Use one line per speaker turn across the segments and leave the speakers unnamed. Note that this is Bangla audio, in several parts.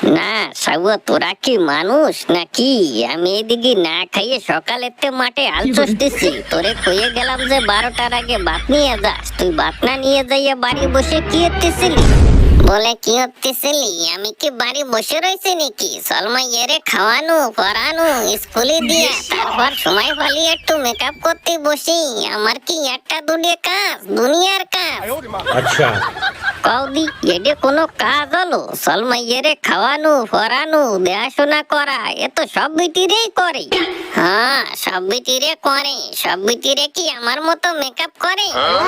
না সাবু, তোরা কি মানুষ নাকি? আমি এদিকে না খাইয়ে সকালেতে মাঠে হাল চষতেছি, তোরে কইয়ে গেলাম যে 12টার আগে ভাত নিয়ে যাস, তুই ভাত না নিয়ে যাইয়া বাড়ি বসে কি করতেছিলি? বলে কি করতেছিলি? আমি কি বাড়ি বসে রয়েছি নাকি? সলমাইয়েরে খাওয়ানো পড়ানো স্কুলে দিয়ে তারপর সময় পালিয়ে একটু মেকআপ করতে বসি। আমার কি একটা দুনিয়া কাজ, দুনিয়ার কাজ?
আচ্ছা
কৌদি এডে কোনো কাজ হলো? সলমাইয়েরে খাওয়ানো পড়ানো দেখাশোনা করা এ তো সব বিটিরেই করে। হ্যাঁ সব বিটিরে করে। সব বিটিরে কি আমার মতো মেকআপ করে?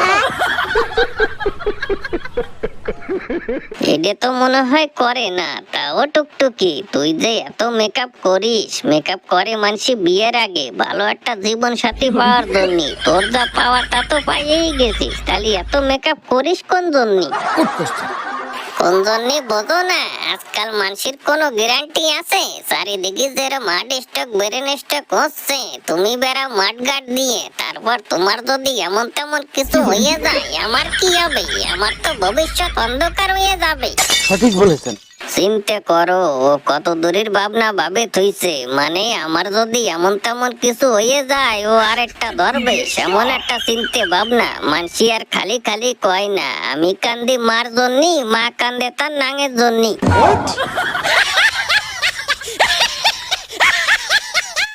এডে তো মনে হয় করে না। তাও টুকটুকি, তুই যে এত মেকআপ করিস, মেকআপ করে মানসি বিয়ের আগে ভালো একটা জীবন সাথী পাওয়ার জন্য। তোর যা পাওয়ার তা তো পাইয়েই গেছিস, তাহলে এত মেকআপ করিস কোন জন্য? কোন জন্য বোঝো না? আজকাল মানুষের কোনো গ্যারান্টি আছে? চারিদিকে যেরকম মাঠ স্টক ব্রেন স্টক হচ্ছে, তুমি বেড়াও মাঠ গার্ড দিয়ে, তারপর তোমার যদি এমন তেমন কিছু হয়ে যায়, আমার কি হবে? আমার তো ভবিষ্যৎ অন্ধকার হয়ে যাবে।
সঠিক বলেছেন।
চিন্তা করো ও কত দূরের ভাবনা ভাবে থইছে। মানে আমার যদি এমন তেমন কিছু হয়ে যায়, ও আরেকটা ধরবে এমন একটা চিন্তা ভাবনা। মানসি আর খালি খালি কয় না আমি কান্দি মার জন্যি, মা কান্দে তার নাঙের জন্যি।